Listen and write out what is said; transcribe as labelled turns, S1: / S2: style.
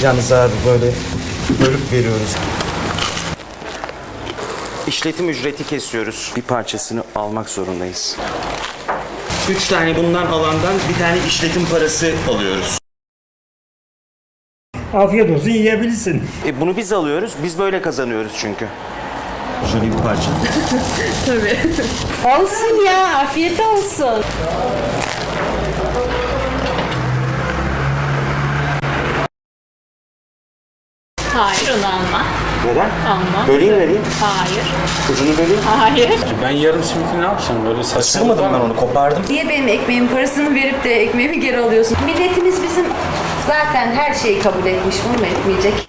S1: alacağınız abi, böyle bölüp veriyoruz. İşletim ücreti kesiyoruz. Bir parçasını almak zorundayız. 3 tane bundan alandan bir tane işletim parası alıyoruz.
S2: Afiyet olsun, yiyebilirsin.
S1: Bunu biz alıyoruz. Biz böyle kazanıyoruz çünkü. Şöyle bir parça.
S3: Tabii.
S4: Olsun ya, afiyet olsun.
S3: Hayır, onu alma.
S1: Neden?
S3: Alma.
S1: Böleyim vereyim.
S3: Hayır.
S1: Ucunu böleyim.
S3: Hayır.
S5: Ben yarım simiti ne yapacağım böyle saçma.
S1: Isırmadım ben onu, kopardım.
S4: Niye benim ekmeğimin parasını verip de ekmeğimi geri alıyorsun? Milletimiz bizim zaten her şeyi kabul etmiş, bunu mu etmeyecek?